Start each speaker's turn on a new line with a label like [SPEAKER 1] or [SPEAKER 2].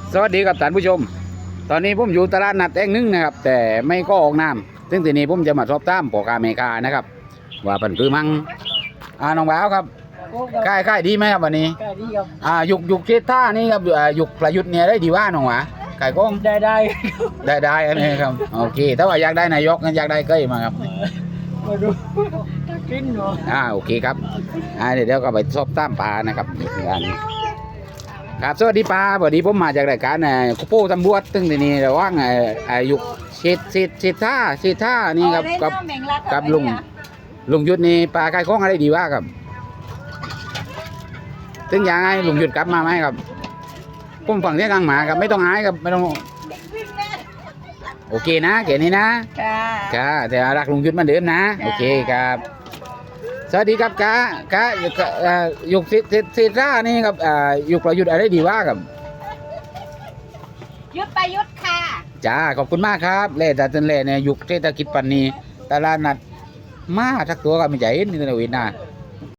[SPEAKER 1] สวัสดีครับท่านผู้ชมตอนนี้ผมอยู่ตลาดนัดแห่งหนึ่งนะครับแต่ไม่ก็ออกน้ำซึ่งทีนี้ผมจะมาสอบถามพ่อค้าแม่ค้านะครับว่าเป็นคือมั่งน้องบ่าวครับค่ายดีไหมครับวันนี้
[SPEAKER 2] ได้ดีครับ
[SPEAKER 1] ยุกเชษท่านี่ครับยุกประยุทธ์เนี่ยได้ดีว่าน้องหวาขายกล้อง
[SPEAKER 2] ได้
[SPEAKER 1] อันนี้ครับโอเคถ้าว่าอยากได้นายกงั้นอยากได้เก้ยมาครับ
[SPEAKER 2] มาดูกินเนาะ
[SPEAKER 1] โอเคครับเดี๋ยวก็ไปสอบถามปลานะครับอันนี้ครับสวัสดีป้าสวัสดีผมมาจากรายการคุโป้ตำรวจตึงที่นี่ระหว่างยุคเศษท่านี่ครับกับลุงยุทธนี่ปลาไก่ข้องอะไรดีว่าครับตึงยังไงลุงยุทธกลับมาไหมครับผมฝั่งที่กลางหมาครับไม่ต้องหายครับไม่ต้องโอเคนะเก๋นี่นะค่ะแต่รักลุงยุทธเหมือนเดิมนะโอเคครับสวัสดีครับกะยุคเศษท่านี่ครับยุคประยุทธ์อะไรดีว่าครับ
[SPEAKER 3] ยุทธประยุทธ์ค่ะ
[SPEAKER 1] จ้าขอบคุณมากครับเล่แต่จนเล่เนี่ยยุคเศรษฐกิจปันนี้ตลาดนัดมาทักตัวกันไม่ใช่นี่นะวินนะ